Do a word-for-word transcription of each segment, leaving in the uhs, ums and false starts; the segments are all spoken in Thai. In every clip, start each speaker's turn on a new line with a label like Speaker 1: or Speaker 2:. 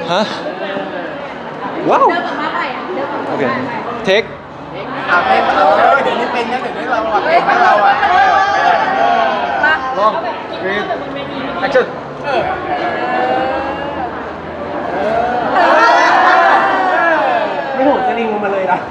Speaker 1: ฮะว้าว
Speaker 2: เดินกับมาไปอ่ะเดินกับ
Speaker 1: โอ
Speaker 2: มา
Speaker 1: เค
Speaker 2: ไป
Speaker 1: เทค
Speaker 3: อ่ะเป็นเออเดี๋ยวนี้เป็นนะเดี๋ยวนี้เราอ่ะเป็นนะเราอ่ะ
Speaker 2: มา
Speaker 1: ลองรีดแอคชั่น
Speaker 4: ไม่โหดสลิงลงมาเลยนะ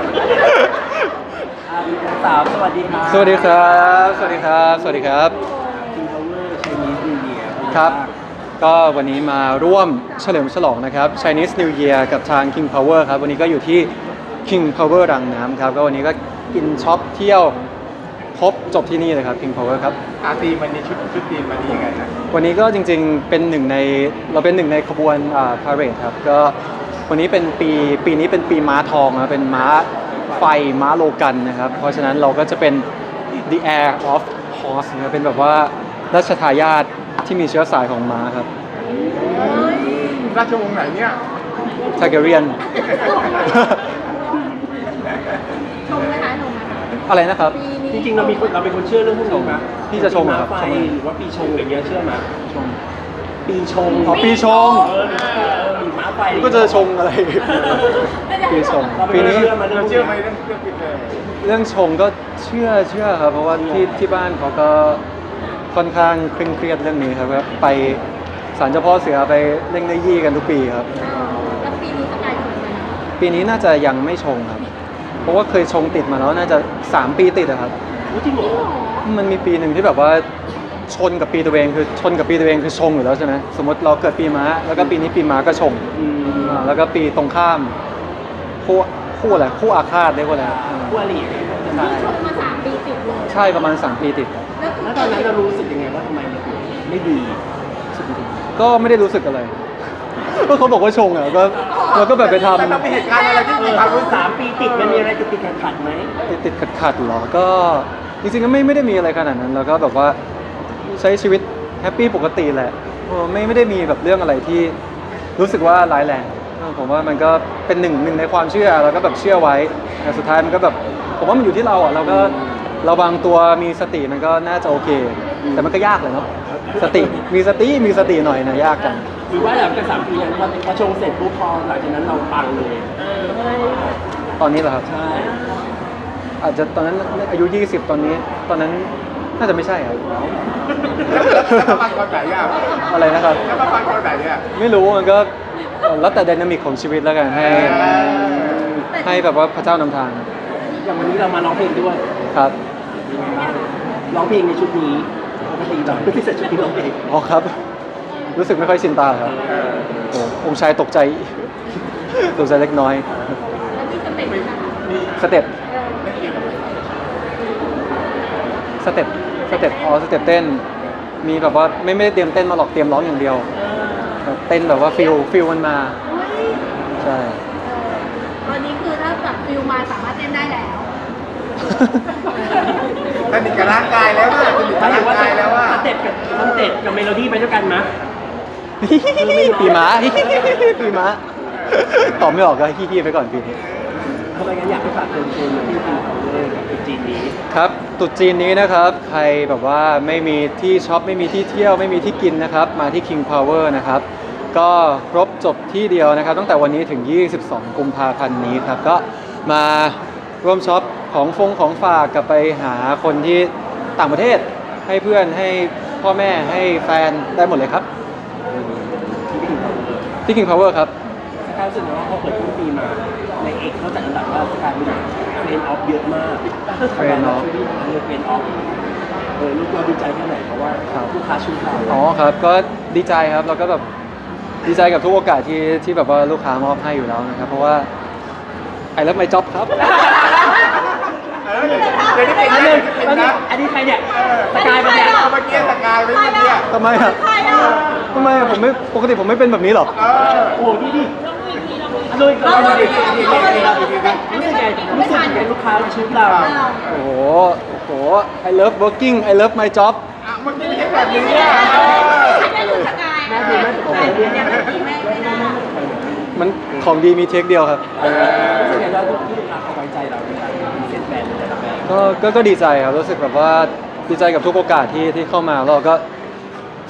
Speaker 4: อ่าสาวสวัสดีครับ
Speaker 1: สวัสดีครับสวัสดีครับสวัสดีครับ
Speaker 4: คิงพาวเวอร์ชนีนิวเยียร์
Speaker 1: ครับ ก็วันนี้มาร่วมเฉลิมฉลองนะครับ Chinese New Year กับทาง King Power ครับ วันนี้ก็อยู่ที่ King Power รังน้ำครับ ก็วันนี้ก็กินช็อปเที่ยวครบจบที่นี่เลยครับ King Power ครับ
Speaker 3: อาทีมันนี่ชุดชุดทีมมันนี่ยังไงนะ
Speaker 1: วันนี้ก็จริงๆ เป็นหนึ่งในเราเป็นหนึ่งในขบวนอ่าพาเหรดครับ ก็วันนี้เป็นปีปีนี้เป็นปีม้าทองนะเป็นม้าไฟม้าโลกันนะครับ เพราะฉะนั้นเราก็จะเป็น the heir of horse นะครับเป็นแบบว่าราชทายาทที่มีเชื้อสายของม้าครับ
Speaker 3: ราชวงศ์ไหนเนี่ย
Speaker 1: ทาเกเรียน
Speaker 2: ชมนะคะชมนะคะ
Speaker 1: อะไรนะครับ
Speaker 2: ปี
Speaker 4: จ
Speaker 2: นี้
Speaker 4: ริงๆเรามีคนเราเป็นคนเชื่อเรื่องพวกนี้ไหม
Speaker 1: พี่จะชงเหรอครับ
Speaker 4: ปีม้าไฟ
Speaker 1: ชงไหม
Speaker 4: หรือว่าปีชงอย่างเงี้ยเชื่อไหมชงปีชง
Speaker 1: อ๋อปีชง
Speaker 4: เออเออปีม้าไฟ
Speaker 1: ก็จะชงอะไร ปีชง
Speaker 4: เราเป็
Speaker 1: ปี
Speaker 4: นคน
Speaker 1: นี้
Speaker 4: เชื่อมาเรื่อ
Speaker 3: เรา
Speaker 4: งพวก
Speaker 3: เชื่อไหม
Speaker 4: นี้
Speaker 3: เรื่องเรื่องปีเตอร์
Speaker 1: เรื่องชงก็เชื่อเชื่อครับ เพราะว่าที่ที่บ้านเขาก็ค่อนข้างเคร่งเครียดเรื่องนี้ครับก็ไปศาลเจ้าพ่อเสือไปเล่งได้ยี่กันทุกปีครับ
Speaker 2: แล้วปีนี้สกายชมไหม
Speaker 1: ปีนี้น่าจะยังไม่ชงครับ เพราะว่าเคยชงติดมาแล้วน่าจะสามปีติดอะครับ
Speaker 4: รู้จริงเหรอ
Speaker 1: มันมีปีหนึ่งที่แบบว่าชนกับปีตัวเองคือชนกับปีตัวเองคือชงอยู่แล้วใช่ไหมสมมติเราเกิดปีม้าแล้วก็ปีนี้ปีม้าก็ชง
Speaker 4: อืม
Speaker 1: อ่าแล้วก็ปีตรงข้ามคู่คู่อะไรคู่อาฆาตเรียกว่าอะไรอ่า
Speaker 4: ผู้อริ
Speaker 2: นี่ชมมาสามปีติดเลย
Speaker 1: ใช่ประมาณสามปีติดครับ
Speaker 2: แล้วคือ
Speaker 4: แล้วตอนนั้นเรารู้สึกยังไงว่าทำไมมันถึงไม่ดี
Speaker 1: ก็ไม่ได้รู้สึกอะไร ก็เขาบอกว่าชงอ่ะก็เราก็แบบไปท
Speaker 3: มันต้องมีเหตุการณ์อะไรที่
Speaker 4: เอ
Speaker 3: มี
Speaker 4: อ
Speaker 3: ความรู้
Speaker 4: สามปีติดมันมีอะไรติดติดขัดขัดๆไหม
Speaker 1: ำติดติดขัดขัดๆหรอ ก็จริงๆก็ไม่ไม่ได้มีอะไรขนาดนั้น แล้วก็แบบว่าใช้ชีวิตแฮปปี้ปกติแหละเออไม่ไม่ได้มีแบบเรื่องอะไรที่รู้สึกว่าร้ายแรงเออผมว่ามันก็เป็นหนึ่งหนึ่งในความเชื่อแล้วก็แบบเชื่อไว้แต่สุดท้ายมันก็แบบผมว่ามันอยู่ที่เราอ่ะเราก็ระวังตัวมีสติมันก็น่าจะโอเค แต่มันก็ยากเลยเนาะสติมีสติมีสติหน่อยนะยากจัง
Speaker 4: หรือว่าหลังจากสามปีนั้นพอพอชงเสร็จปุ๊บพอหลังจากนั้นเราปังเลย
Speaker 1: ตอนนี้เหรอครับ
Speaker 4: ใช่
Speaker 1: อาจจะตอนนั้นอายุยี่สิบตอนนี้ ตอนนั้นน่าจะไม่ใช่ครับ
Speaker 3: แล้วมาฟังตอนไหนอ่ะ
Speaker 1: อะไรนะครับ
Speaker 3: แล้วมาฟังตอนไหนเนี่ย
Speaker 1: ไม่รู้มันก็เอ่อแล้วแต่ไดนามิกของชีวิตแล้วกันให้ให้แบบว่าพระเจ้านำทาง
Speaker 4: อย่างวันนี้เรามาร้องเพลงด้วย
Speaker 1: ครับ
Speaker 4: ร้องเพลงในชุดนี้ปกติเราไม่ได้ใส่ชุดนี้ร้องเพลง
Speaker 1: อ๋อครับ รู้สึกไม่ค่อยชินตาครับโอ้องค์ชายตกใจ ตกใจเล็กน้อย
Speaker 2: แล้วมีสเต็ปนะคะ
Speaker 1: สเต็ป
Speaker 2: เออ
Speaker 1: สเต็ปสเต็ปอ๋อสเต็ปเต้น มีแบบว่าไม่ไม่ได้เตรียมเต้นมาหรอกเตรียมร้องอย่างเดียวแบบเต้นแบบว่าฟิลฟิลมันมา
Speaker 2: เฮ้ย
Speaker 1: ใช่
Speaker 2: ตอนนี้คือถ้าแบบฟิลมาสามารถเต้นได้แล้ว
Speaker 3: สนิทกับร่างกายแล้วอ่ะสนิท
Speaker 4: ห
Speaker 3: กับ
Speaker 4: มายถึ
Speaker 3: ร่าง ง
Speaker 4: ว่า
Speaker 3: กายแล้วอ่ะ
Speaker 4: สเต็ปกับสเต็ปกับเมโลดี้ไปด้วยกันมะ
Speaker 1: ปีม้า ปีม้าตอบไม่ออกก็ฮี้ๆไปก่อนปีนี้
Speaker 4: ทำไมงั้นอยากให้ฝากเชิญชวนมาที่คิวพาวเวอร์กับจีนนี้
Speaker 1: ครับตรุษจีนนี้นะครับ ใครแบบว่าไม่มีที่ช็อปไม่มีที่เที่ยวไม่มีที่กินนะครับ มาที่ King Power นะครับ ก็ครบจบที่เดียวนะครับ ตั้งแต่วันนี้ถึง ยี่สิบสอง กุมภาพันธ์นี้ครับ ก็มาร่วมช็อปของฟงของฝากกลับไปหาคนที่ต่างประเทศ ให้เพื่อนให้พ่อแม่ให้แฟนได้หมดเลยครับ
Speaker 4: ที่ King Power
Speaker 1: ที่ King Power ครับ
Speaker 4: สกายรู้สึกว่าพอเปิดต้นปีมาในเอกเขาจัดอันดับว่าสกายเป็นเฟรนออฟเยอะมาก
Speaker 1: Friend of
Speaker 4: เออเฟรนออฟเออลูกเราดีใจแค่ไหนเพราะว่า
Speaker 1: ครับ
Speaker 4: ลูกค้าชูเรา
Speaker 1: อ๋อครับก็ดีใจครับแล้วก็แบบดีใจกับทุกโอกาสที่ที่แบบว่าลูกค้ามอบให้อยู่แล้วนะครับ เพราะว่าไอ้เลิฟไมจ็อบครับ
Speaker 3: เออเดี๋ยวเดี๋ยวนี้เป็น
Speaker 4: อัน
Speaker 3: นะ
Speaker 4: นึง
Speaker 3: เป็น
Speaker 4: อันนี้
Speaker 3: นะ
Speaker 4: อันนี้ใครเนี่ย
Speaker 3: เออ
Speaker 4: สกายปะเนี่ย
Speaker 3: เอาเมื่อกี้สกายไว้เมื่อกี้
Speaker 1: ทำไมอ่ะ
Speaker 2: ใครอ่ะ
Speaker 1: ทำไมอะผมไม่ปกติผมไม่เป็นแบบนี้หรอ
Speaker 3: เออ
Speaker 4: โอ้โหนี่ดิอันนู้นก็
Speaker 3: เอา
Speaker 4: รู้
Speaker 3: ดิ
Speaker 4: สึก
Speaker 3: ดิดิดิดิดิดิ
Speaker 4: รู้สึกไงรู้สึกไงลูกค้าชุดเรา
Speaker 1: โอ้โหโอ้โห I love working I love my job
Speaker 3: อ่ะเมื่อกี้ไม่ใช่แบบนี้อ่ะเออ
Speaker 2: อันนี้คือสกาย
Speaker 4: แม่ดูแม่ตกใจเนี่ย
Speaker 2: เนี่ยไม่ดีไม่ไม่น่า
Speaker 1: มันของดีมีเทคเดียวครับ
Speaker 4: รู้สึกไงว่าที่ลูกค้าเขาไว้ใจเราในการเซ็นแบรนด์แต่ละแบรนด์
Speaker 1: ก็ก็ก็ดีใจครับรู้สึกแบบว่าดีใจกับทุกโอกาสที่ที่เข้ามาแล้วเราก็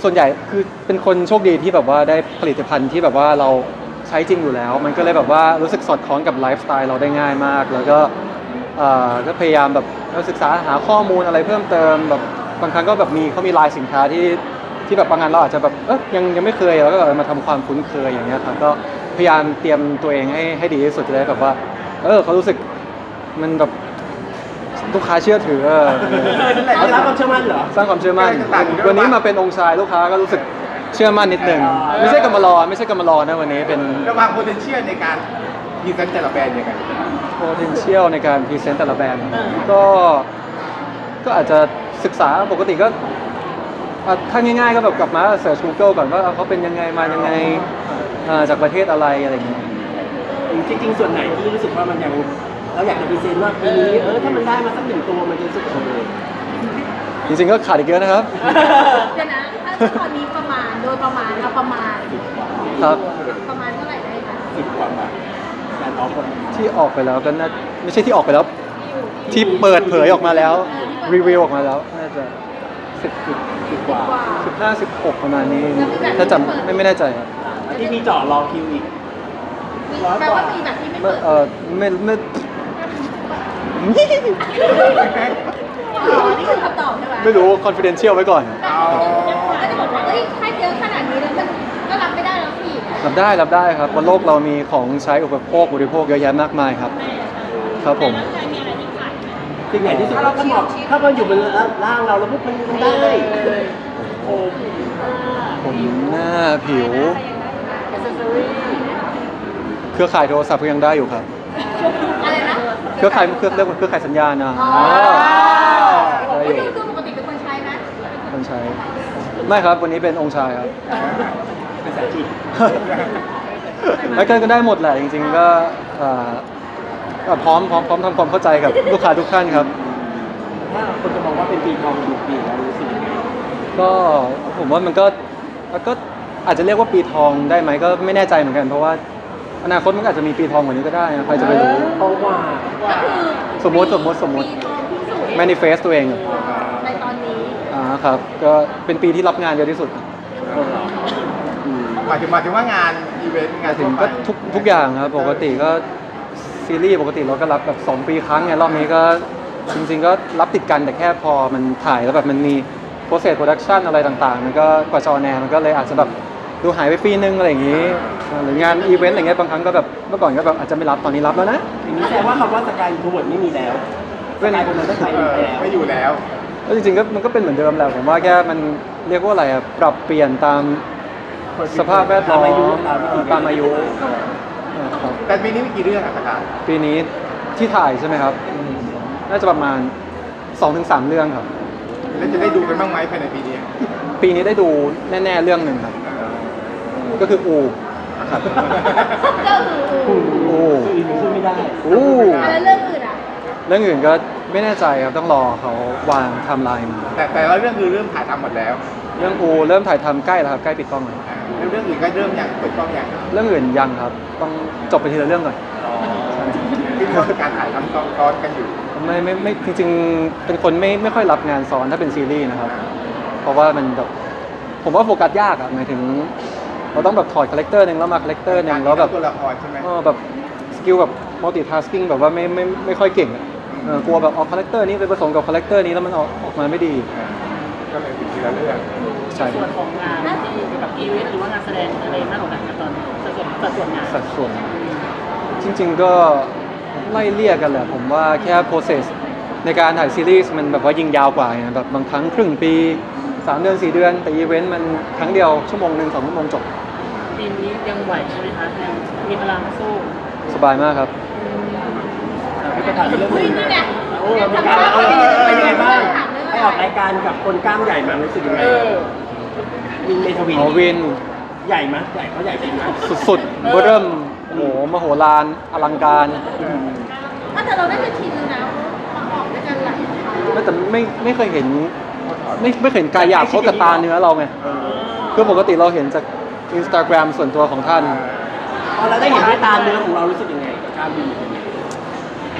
Speaker 1: ส่วนใหญ่คือเป็นคนโชคดีที่แบบว่าได้ผลิตภัณฑ์ที่แบบว่าเราใช้จริงอยู่แล้ว มันก็เลยแบบว่ารู้สึกสอดคล้องกับไลฟ์สไตล์เราได้ง่ายมาก แล้วก็เอ่อก็พยายามแบบศึกษาหาข้อมูลอะไรเพิ่มเติมแบบบางครั้งก็แบบมีเขามีลายสินค้าที่ที่แบบบางงานเราอาจจะแบบเอ๊ะยังยังไม่เคยแล้วก็แบบมาทำความคุ้นเคยอย่างเงี้ยครับก็พยายามเตรียมตัวเองให้ให้ดีที่สุดจะได้แบบว่าเออเขารู้สึกมันแบบลูกค้าเชื่อถือเออ
Speaker 4: เราสร้างความเชื่อมั่นเหรอ
Speaker 1: สร้างความเชื่อมั่นวันนี้มาเป็นองค์ชายลูกค้าก็รู้สึกเชื่อมั่นนิดหนึ่ง
Speaker 4: อ๋อ
Speaker 1: ไม่ใช่กำมารอไม่ใช่กำมารอนะวันนี้เป็น
Speaker 3: ระหว่าง potential ในการพรีเซนต์แต่ละแบรนด์ยังไง
Speaker 1: potential ในการพรีเซนต์แต่ละแบรนด์ก็ก็อาจจะศึกษาปกติก็อ่ะถ้าง่ายๆก็แบบกลับมาเสิร์ช Google ก่อนว่าเขาเป็นยังไงมายังไงอ่าจากประเทศอะไรอะไรอย่างเงี้ย
Speaker 4: จริงๆส่วนไหนที่รู้สึกว่ามันยังเราอยากจะพรีเซนต์ว่าปีนี้เออถ้ามันได้มาสักหนึ่งตัวมันจะรู้สึกโอเค
Speaker 1: จริงๆก็ขาดอีกเยอะนะครับ
Speaker 2: เดี๋ยวนะถ้าตอนนี้ประมาณโดยประมาณเราประมาณ
Speaker 1: ครับ
Speaker 2: ประมาณเท่าไหร่ได้คะ
Speaker 4: สิบกว่าบาทการออฟคน
Speaker 1: ที่ออกไปแล้วก็น่าไม่ใช่ที่ออกไปแล้ว ที่เปิดเผยออกมาแล้วรีวิวออกมาแล้วน่าจะสิบ
Speaker 4: สิบกว่า
Speaker 2: กว่า
Speaker 1: สิบห้าสิบหกประมาณนี้ถ้าจำไม่ไม่แน่ใจครับ
Speaker 4: แล้วที่มีเจาะรอคิวอีก
Speaker 2: แปลว่ามีแบบที่ไม่
Speaker 1: ไม่
Speaker 2: เปิด
Speaker 1: เออไม่ไม่
Speaker 2: อ๋อนี่คือคำตอบใช่ไหม
Speaker 1: ไม่รู้ confidential ไว้ก่อน
Speaker 3: เอา
Speaker 2: ก็จะบอกว่าเอ้ยถ้าเยอะขนาดนี้แล้วมันก็รับไม่ได้แล้วพี่
Speaker 1: รับได้รับได้ครับบนโลกเรามีของใช้อุปโภคบริโภคเยอะแยะมากมายครับ ครับผม
Speaker 4: สิ่งไหนที่สุดถ้ามันบอกถ้ามันอยู่บนร่างเราแล้วพวกมันมันได้โอ้
Speaker 1: ผมหน้าผิว เครือข่ายโทรศัพท์ก็ยังได้อยู่ครับ
Speaker 2: อะไรนะ
Speaker 1: เครือข่ายเครือเรียกว่าเครือข่ายสัญญาณนะ
Speaker 2: อ๋อ
Speaker 1: ได้อ
Speaker 2: ไม่
Speaker 1: ยู่
Speaker 2: ดูคือปกติเป็นคนใช้ไหม
Speaker 1: คนใช้ ไม่ครับวันนี้เป็นองค์ชายครับ
Speaker 4: เป็นสายจิต
Speaker 1: แล้วก็ก็ได้หมดแหละจริงๆก็อ่าก็พร้อมพร้อมพร้อมทำความเข้าใจกับลูกค้าทุกท่านครับ
Speaker 4: ถ้าคนจะมองว่าเป็นปีทองอยู่ปีแล้วรู้สึกยังไง
Speaker 1: ก็ผมว่ามันก็ก็อาจจะเรียกว่าปีทองได้ไหมก็ไม่แน่ใจเหมือนกัน เพราะว่าอนาคตมันก็อาจจะมีปีทองกว่านี้ก็ได้นะใครจะไปรู้
Speaker 4: ทองกว่า
Speaker 2: ก็คือ
Speaker 1: สมมติสมมติสมมติ
Speaker 2: ปีทองที่สุด
Speaker 1: manifest ตัวเอง
Speaker 2: ในตอนนี้
Speaker 1: อ่าครับก็เป็นปีที่รับงานเยอะที่สุด
Speaker 3: หมายถึงหมายถึงว่างานอีเวนต์งาน
Speaker 1: ถึ
Speaker 3: ทั่
Speaker 1: ง
Speaker 3: วไป
Speaker 1: ก็ทุกทุกอย่างครับปกติก็ซีรีส์ปกติเราก็รับแบบสองปีครั้งไงรอบนี้ก็จริงๆก็รับติดกันแต่แค่พอมันถ่ายแล้วแบบมันมี process production อะไรต่างๆ มันก็กว่าจะออนแอร์มันก็เลยอาจจะแบบดูหายไปปีนึงอะไรอย่างนี้หรืองานอีเวนต์อะไรเงี้ยบางครั้งก็แบบเมื่อก่อนก็แบบอาจจะไม่รับตอนนี้รับแล้วนะ
Speaker 4: อย่างนี้แสดงว่าคำว่าสกายทูเวิร์ดไม่มีแล้วสกายคนนั้นได้ไป
Speaker 3: เออ
Speaker 4: แล้ว
Speaker 3: ไม่อยู่แล้ว
Speaker 1: แล้วจริงๆก็มันก็เป็นเหมือนเดิมแหละผมว่าแค่มันเรียกว่าอะไรอะปรับเปลี่ยนตามสภาพแวดล้อมตามอายุนะครับ
Speaker 3: แต่ปีนี้มีกี่เรื่องอะสกาย
Speaker 1: ปีนี้ที่ถ่ายใช่ไหมครับ น่าจะประมาณ สองถึงสาม เรื่องครับ
Speaker 3: แล้วจะได้ดูกันบ้างไหมภายในปีนี้
Speaker 1: ปีนี้ได้ดูแน่ๆเรื่องหนึ่งครับ ก็คืออูครับ
Speaker 2: ก็คือ
Speaker 1: อู
Speaker 4: อื่นพูดไม่ได้
Speaker 1: อู
Speaker 2: อะไรเรื่องอื่นอ่ะ
Speaker 1: เรื่องอื่นก็ไม่แน่ใจครับต้องรอเขาวางไทม์ไลน์มา
Speaker 3: แต่แต่ละเรื่องคือเริ่มถ่ายทำหมดแล้ว
Speaker 1: เรื่องอูเริ่มถ่ายทำใกล้แล้วครับใกล้ปิดกล้องแล้ว
Speaker 3: อ่าแล้วเรื่องอื่นก็เริ่มอย่างเปิดกล้องอย่าง
Speaker 1: เรื่องอื่นยังครับ ต้องจบไปทีละเรื่องก่อน
Speaker 3: คือว่าการถ่ายทำซ้อนกันอยู่
Speaker 1: ไม่ไม่ไม่จริงๆ เป็นคนไม่ไม่ค่อยรับงานซ้อนถ้าเป็นซีรีส์นะครับ เพราะว่ามันแบบผมว่าโฟกัสยากอะหมายถึง เราต้องแบบถอดคาแรคเตอร์หนึ่งแล้วมาคาแรคเตอร์หนึ่งแล้วแบบ
Speaker 3: ตัวละครใช่ไหม
Speaker 1: เออแบบสกิลแบบมัลติทัสกิ้งแบบว่าไม่ไม่ไม่ค่อยเก่งอะเออกลัวแบบเอาคาแรคเตอร์นี้ไปผสมกับคาแรคเตอร์นี้แล้วมันออกออกมาไม่ดี
Speaker 3: อ่าก็เลยเป็นทีละเรื่อง
Speaker 1: ใช่
Speaker 5: ส่วนของงานเกี่ยวกับอีเวนต์หรือว่างานแสดงอะไรมากกว่ากันครับตอนนี้สัดส่วนสัดส่วนงาน
Speaker 1: สัดส่วน จริงๆก็ไล่เลี่ยกันแหละ ผมว่าแค่ process ในการถ่ายซีรีส์มันแบบว่ายิงยาวกว่าไงแบบบางครั้งครึ่งปีสามเดือนสี่เดือน แต่อีเวนต์มันครั้งเดียวชั่วโมงหนึ่งสองชั่วโมงจบ
Speaker 5: ทีมนี้ยังไหวใช่ไหมคะยังมีพลังสู้
Speaker 1: สบายมากครับ
Speaker 4: ไปถ่ายเรื่อง
Speaker 2: อุ้ย
Speaker 4: นึง
Speaker 2: นี่ไง
Speaker 4: โอ้เราเป็นการเอาเป็นยังไงบ้างไปออกรายการกับคนกล้ามใหญ่มารู้สึกยังไงวินเมทวิน
Speaker 1: อ๋อวิน
Speaker 4: ใหญ่ไหมใหญ่เขาใหญ่จริงไหม
Speaker 1: สุดๆเบอร์เริ่มโอ้โหมโหฬารอลังการ
Speaker 2: ถ้าแต่เราได้จะชินแล้วนะมาออกด้วยกันหลายครั้ง
Speaker 1: ไม่แต่ไม่ไม่เคยเห็นไม่ไม่เคยเห็นกายหยาบเขากับตาเนื้อเราไงคือปกติเราเห็นจากอินสตาแกรมส่วนตัวของท่าน
Speaker 4: พอเราได้เห็นด้วยตาเนื้อของเรารู้สึกยังไงกับกล้ามวิน
Speaker 1: ก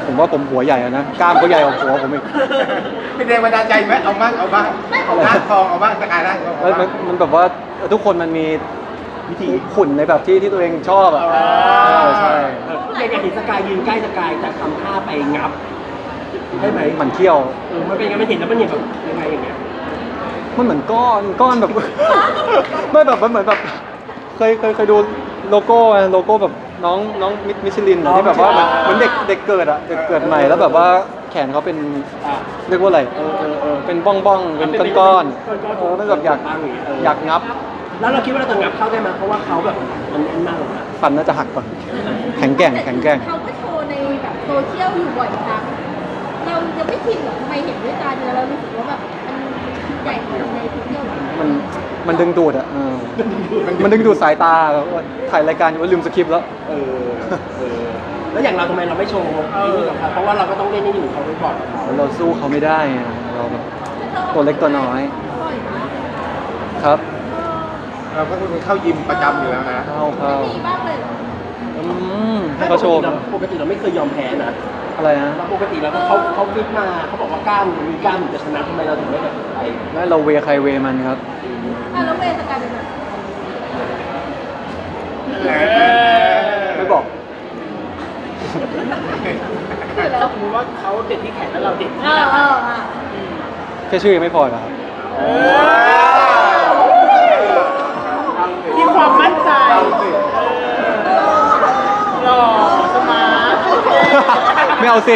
Speaker 1: ผมว่าผมหัวใหญ่อะนะกล้ามเขาใหญ่กว่าหัวผมอีก
Speaker 3: เป็นแรงบันดาลใจไหมเอาบ้างเอาบ้างเอาร่างทองเอาบ้างสกายร่างทอง
Speaker 1: แล้วมันมันแบบว่าทุกคนมันมีวิธีขุนในแบบที่ที่ตัวเองชอบอ่ะเออใช่
Speaker 4: เอออยากเห็นสกายยืนใกล้สกายแต่ทำท่าไปงับใช่ไหม
Speaker 1: หมันเขี้ยว
Speaker 4: เออมันเป็นยังไงมันเห็นแล้วมันเห็นแบบยังไงอย่างเงี้ย
Speaker 1: มันเหมือนก้อนก้อนแบบ ไม่แบบมันเหมือนแบบเคยเคยเคยดูโลโก้อะโลโก้แบบน้องน้องมิมิชลินอะที่แบบว่าเหมือนเหมือนเด็กเด็กเกิดอะเด็กเกิดใหม่แล้วแบบว่าแขนเขาเป็น
Speaker 4: อ่ะ
Speaker 1: เรียกว่าอะไร
Speaker 4: เออเออเออ
Speaker 1: เป็นบ้องบ้องๆเป็นก้อนๆเออมันแบบอยากอยากงับ
Speaker 4: แล้วเราคิดว่าเราจะงับเข้าได้ไหมเพราะว่าเขาแบบมันแน่นมากเลยนะ
Speaker 1: ฟันน่าจะหักก่อนแข็งแกร่งแข็งแกร่ง
Speaker 2: เขาก็โชว์ในแบบโซเชียลอยู่บ่อยครั้งเรายังไม่ชินหรอทำไมเห็นด้วยตาเนื้อเรารู้สึกว่าแบบมันใหญ่กว่าในโซเชียลหรอ
Speaker 1: มันมันดึงดูดอะเออมันดึงดูดสายตาแบบว่าถ่ายรายการอยู่ว่าลืมสคริปต์แล้ว
Speaker 4: เออเออแล้วอย่างเราทำไมเราไม่โชว์ไอ้นี่กับเขาเพราะว่าเราก็ต้องเล่นให้อยู่เขาไว้ก่อนกับเขา
Speaker 1: เราสู้เขาไม่ได้อะเราแบบตัวเล็กตัวน้อย
Speaker 2: บ่อยมาก
Speaker 1: ครับ
Speaker 3: เราก็คือเข้ายิมประจำอยู่แล้วนะ
Speaker 1: เข้าเข้า
Speaker 2: มีบ้างเลยเหรอ
Speaker 1: อืมให้เขาโชว์
Speaker 4: ปกติเราไม่เคยยอมแพ้นะ
Speaker 1: อะไรนะ
Speaker 4: เราปกติเราก็เขาเขาฟิตมาเขาบอกว่ากล้ามมีกล้ามถึงจะชนะทำไมเราถึงไม่แบบไป
Speaker 1: ไม่เราเวใครเวมันครับ
Speaker 2: อ่ะแล้วเวย์สกายเป็นไง
Speaker 1: ไม่บอก
Speaker 2: คือแล้ว
Speaker 5: สมมติว่าเขาเด็ดที่แขนแล้วเราเด็ด
Speaker 2: เอ
Speaker 5: ที่
Speaker 2: อ
Speaker 5: หลัง
Speaker 2: เอออ่ะ
Speaker 1: แค่ชื่อยังไม่พอเหรอครับ
Speaker 5: มีความมั่นใจหล่อสมาร์ท
Speaker 1: ไม่เอาสิ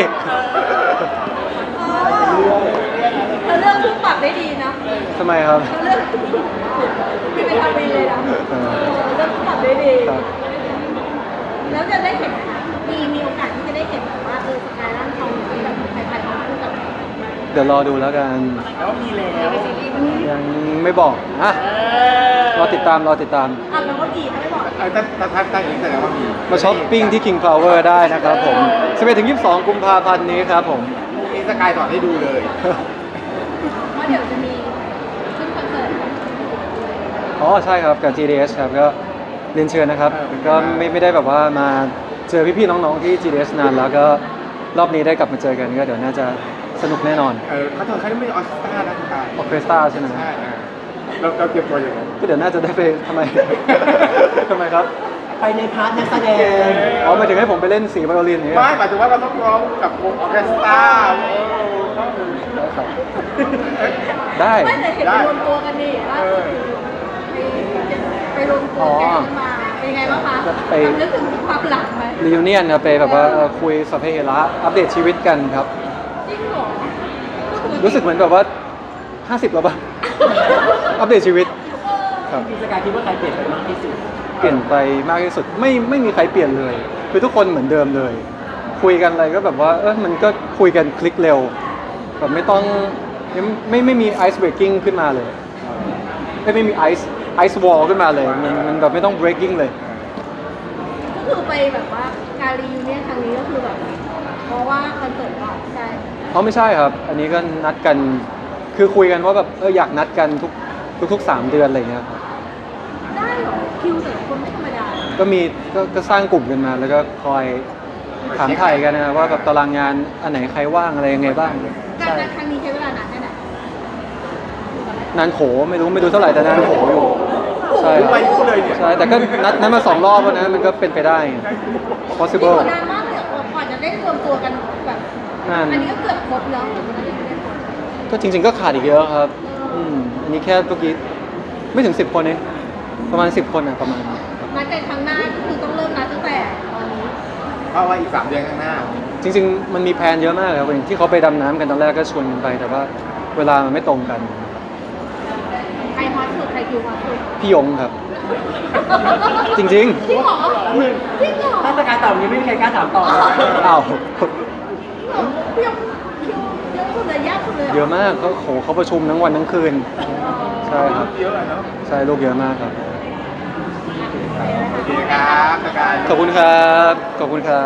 Speaker 2: เธอเลือกคู่ปรับได้ดีนะ
Speaker 1: ทำไมครับ
Speaker 2: เธอเลือกพี่ไปทำเองเลยนะ
Speaker 1: เออ
Speaker 2: เลือกคู่ปรับได้ดี
Speaker 1: ครับ
Speaker 2: แล้วจะได้เห็นมีมีโอกาสที่จะได้เห็นแบบว่าเออสกายร่างทองที่แบบใครๆเขาคู่กับ
Speaker 1: เดี๋ยวรอดูแล้วกัน
Speaker 5: แล้วมีแล้ว
Speaker 2: ในซีรีส์มัน
Speaker 1: ยังไม่บอกอ่ะ
Speaker 5: เออ
Speaker 1: รอติดตามรอติดตาม
Speaker 2: อ่ะแล้วก็ดีถ้าไม่บอก
Speaker 3: ถ้าถ้าถ้าตั้งอย่างนี้แสดงว่ามี
Speaker 1: มาช้อปปิ้งที่ King Power ได้นะครับผมสิบเอ็ดถึงยี่สิบสองกุมภาพันธ์นี้ครับผม
Speaker 3: นี่สกายถอดให้ดูเลย
Speaker 2: เพราะเดี๋ยวจะมีขึ้นคอนเสิร์ต
Speaker 1: อ๋อใช่ครับกับ จี ดี เอส ครับก็เรียนเชิญนะครับ ก็ไม่ไม่ได้แบบว่ามาเจอพี่ๆน้องๆที่ จี ดี เอส นานแล้วก็รอบนี้ได้กลับมาเจอกันก็เดี๋ยวน่าจะสนุกแน่นอน
Speaker 3: เออเขาถอดเขาไม่ได้ออสตาร์นะสกาย
Speaker 1: ออเคสตราใช่ไหม
Speaker 3: ใช่เราเราเตรียมตัวอย่างไร
Speaker 1: ก็เดี๋ยวน่าจะได้ไปทำไม ทำไมครับ
Speaker 4: ไปในพาร์ทนักแสดง
Speaker 1: อ๋อหมายถึงให้ผมไปเล่นสีไวโอลินอย่างเงี้ย
Speaker 3: ไม่หมายถึงว่าเราต้องร้องกับวงออร์เคสตรา
Speaker 1: ครับได้
Speaker 2: ไม่แต่เห็นไปรวมตัวกันดิล่าสุดไปไปรวมตัวแก๊งมาเป็นยังไงบ้างคะทำนึกถึงความหลังไหม
Speaker 1: รีวิเนียนครับไปแบบว่าเอ่อคุยสัพเพเหระอัปเดตชีวิตกันครับ
Speaker 2: จริงเหรอ
Speaker 1: รู้สึกเหมือนแบบว่าห้าสิบแล้วป่ะ อัปเดตชีวิตครับ
Speaker 4: พี่สกายคิดว่าใครเปลี่ยนไปมากที่สุด
Speaker 1: เปลี่ยนไปมากที่สุดไม่ไม่มีใครเปลี่ยนเลย คือทุกคนเหมือนเดิมเลย คุยกันอะไรก็แบบว่าเออมันก็คุยกันคลิกเร็วแบบไม่ต้องไม่ไม่ไม่มีไอซ์เบรกกิ้งขึ้นมาเลยไม่ไม่มีไอซ์ไอซ์วอลขึ้นมาเลยมันมันแบบไม่ต้อง breaking เลย
Speaker 2: ก็คือไปแบบว่าการรีวิวเนี่ยครั้งนี้ก็คือแบบเพราะว่าคอนเสิร์ตก่อนใช่
Speaker 1: เพราะไม่ใช่ครับ อันนี้ก็นัดกันคือคุยกันว่าแบบเอออยากนัดกันทุกทุกทุกสามเดือนอะไรเงี้ยครับ
Speaker 2: ได้เหรอคิวแต่ละคนไม่ธรรมดา
Speaker 1: ก็มีก็ก็สร้างกลุ่มกันมา แล้วก็คอยถามไทยกันนะว่าแบบตารางงานอันไหนใครว่างอะไรยังไงบ้าง
Speaker 2: การ
Speaker 1: ใช่
Speaker 2: นัดครั้งนี้ใช้เวลานานแค่ไหน
Speaker 1: นานโขไม่รู้ไม่รู้เท่าไหร่แต่นานโขอยู่ใช่
Speaker 3: รู้ไปรู้เลยเนี่ย
Speaker 1: ใช่แต่ก็นัดนัดมาสองรอบแล้วนะมันก็เป็นไปได้
Speaker 2: นี่
Speaker 1: possible
Speaker 2: นานมากเลยเหรอกว่าจะได้รวมตัวกันแบบ
Speaker 1: นาน
Speaker 2: อันนี้ก็เกือบครบแล้วแต่ไม่ได้ไม่ได้ครบ
Speaker 1: ก็จริง ๆ ก็ขาดอีกเยอะครับอืมอันนี้แค่เมื่อกี้ไม่ถึงสิบคนเองประมาณสิบคนอะประมาณ
Speaker 2: นัดกันครั้งหน้าก็คือต้องเริ่มนัดตั้งแต่ตอนนี้
Speaker 3: เพราะว่าอีกสามเดือนข้างหน้า
Speaker 1: จริง ๆ มันมีแพลนเยอะมากครับอย่างที่เขาไปดำน้ำกันตอนแรกก็ชวนกันไป แต่ว่าเวลามันไม่ตรงกัน
Speaker 2: ใครฮอตสุดใครคิวฮอตสุด
Speaker 1: พี่ยงครับ จริง
Speaker 2: จริงเหรอจริงเหรอ
Speaker 4: ถ้าสกายตอบนี้ไม่มีใครกล้าถามต่อเลย
Speaker 1: ๆอ้าว
Speaker 2: พี่ยังคิวเยอะสุดเลยยากสุดเลยหร
Speaker 1: เยอะมากเขาโหเขาประชุมทั้งวันทั้งคืน ใช่ครับ
Speaker 3: เยอะอะเนาะ
Speaker 1: ใช่ลูกเยอะมากครับ
Speaker 3: โอเคครับสกาย
Speaker 1: ขอบคุณครับ ขอบคุณครับ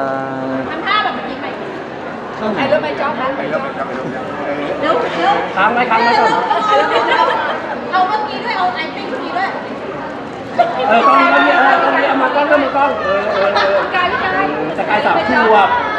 Speaker 2: ทำท่าแบบเมื่อกี้ไหม
Speaker 1: ช่างไหน
Speaker 2: ไอ้เริ่มไปจ๊อบนะ
Speaker 3: ไปลบกันไปลบกันเออ
Speaker 2: เร็วเร็ว
Speaker 4: ค้างไว้ค้างไว้ก่อน
Speaker 2: เอาเมื่อกี้ด้วยเอาไอติ้งเมื่อกี้ด้วย
Speaker 4: เออกล้องนี้กล้องนี้เออกล้องนี้เอามากล้องก็มากล้องเออเออเออ
Speaker 2: การการ
Speaker 4: สกายสามขวบ